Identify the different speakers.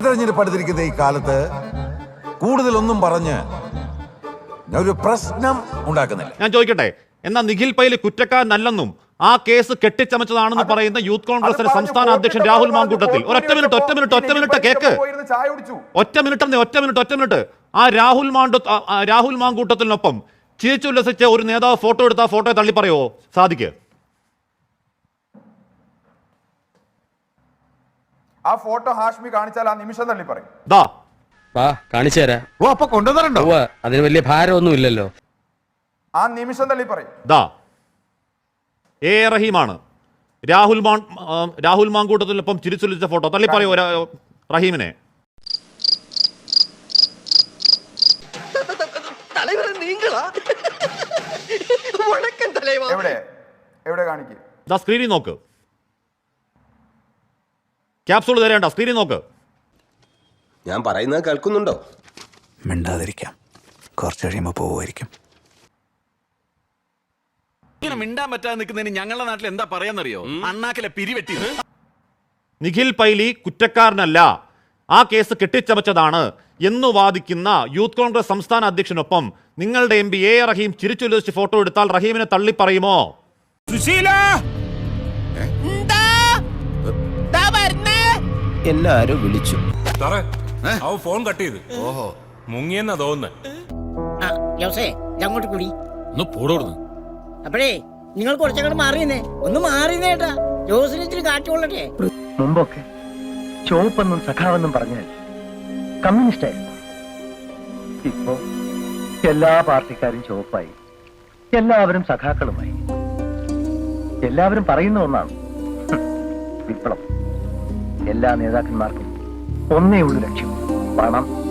Speaker 1: ഉപതെരഞ്ഞെടുപ്പ് അടുത്തിരിക്കുന്ന ഈ കാലത്ത് കൂടുതലൊന്നും പറഞ്ഞ് ഒരു പ്രശ്നം ഉണ്ടാക്കുന്നില്ല.
Speaker 2: ഞാൻ ചോദിക്കട്ടെ, എന്നാ നിഖിൽ പൈലി കുറ്റക്കാരനല്ലെന്നും ആ കേസ് കെട്ടിച്ചമച്ചതാണെന്ന് പറയുന്ന യൂത്ത് കോൺഗ്രസിന്റെ സംസ്ഥാന അധ്യക്ഷൻ രാഹുൽ മാങ്കൂട്ടത്തിൽ ഒറ്റ മിനിറ്റ് കേക്ക്. ഒറ്റ മിനിറ്റ് ആ രാഹുൽ മാങ്കൂട്ടത്തിനൊപ്പം ചിരിച്ചുല്ലസിച്ച് ഒരു നേതാവ് ഫോട്ടോ എടുത്ത ആ ഫോട്ടോയെ തള്ളി പറയുമോ സാദിക്ക്?
Speaker 3: ആ ഫോട്ടോ ഹാഷ്മി കാണിച്ചാൽ ആ നിമിഷം തള്ളി പറയും.
Speaker 4: കാണിച്ചു തരാം.
Speaker 1: അപ്പൊ കൊണ്ടുവന്നിട്ടുണ്ടോ?
Speaker 4: അതിന് വലിയ ഭാരമൊന്നും ഇല്ലല്ലോ.
Speaker 3: ആ നിമിഷം തള്ളി പറയും.
Speaker 2: എ റഹീമാണ് രാഹുൽ മാങ്കൂട്ടത്തിനൊപ്പം ചിരിച്ചുല്ലിച്ച ഫോട്ടോ തള്ളി പറയോ റഹീമിനെ?
Speaker 3: എവിടെ കാണിക്കും?
Speaker 2: സ്ക്രീനിൽ നോക്ക്, ക്യാപ്സൂൾ തരേണ്ട, സ്ക്രീനിൽ നോക്ക്.
Speaker 5: ഞാൻ പറയുന്നത് കേൾക്കുന്നുണ്ടോ?
Speaker 6: മിണ്ടാതിരിക്കാം, കുറച്ച് കഴിയുമ്പോൾ പോവുമായിരിക്കും.
Speaker 7: ഇങ്ങനെ മിണ്ടാൻ പറ്റാതെ നിൽക്കുന്നതിന് ഞങ്ങളുടെ നാട്ടിൽ എന്താ പറയാന്നറിയോ? അണ്ണാക്കിലെ പിരിവെട്ടി.
Speaker 2: നിഖിൽ പൈലി കുറ്റക്കാരനല്ല, ആ കേസ് കെട്ടിച്ചമച്ചതാണ് എന്ന് വാദിക്കുന്ന യൂത്ത് കോൺഗ്രസ് സംസ്ഥാന അധ്യക്ഷനൊപ്പം നിങ്ങളുടെ എം പി എ റഹീം ചിരിച്ചുല്ലസിച്ച് ഫോട്ടോ എടുത്താൽ റഹീമിനെ തള്ളി പറയുമോ?
Speaker 5: എല്ലാരും വിളിച്ചു.
Speaker 8: ഫോൺ കട്ട് ചെയ്ത്. ഓഹോ, മുങ്ങിയെന്നാ തോന്നുന്നത്.
Speaker 9: അങ്ങോട്ട് കൂടി അപ്പോഴേ നിങ്ങൾ കുറച്ചങ്ങോട്ട് മാറിയെന്നേ, ഒന്ന് മാറിയെന്നേട്ടാ. ജോസിന് ഇച്ചിരി കാറ്റുകൊള്ളട്ടെ.
Speaker 10: മുമ്പൊക്കെ ചുവപ്പെന്നും സഖാവെന്നും പറഞ്ഞാൽ കമ്മ്യൂണിസ്റ്റായിരുന്നു. ഇപ്പോ എല്ലാ പാർട്ടിക്കാരും ചുവപ്പായി, എല്ലാവരും സഖാക്കളുമായി. എല്ലാവരും പറയുന്ന ഒന്നാണ് വിപ്ലവം. എല്ലാ നേതാക്കന്മാർക്കും ഒന്നേ ഉള്ളു ലക്ഷ്യം: പണം,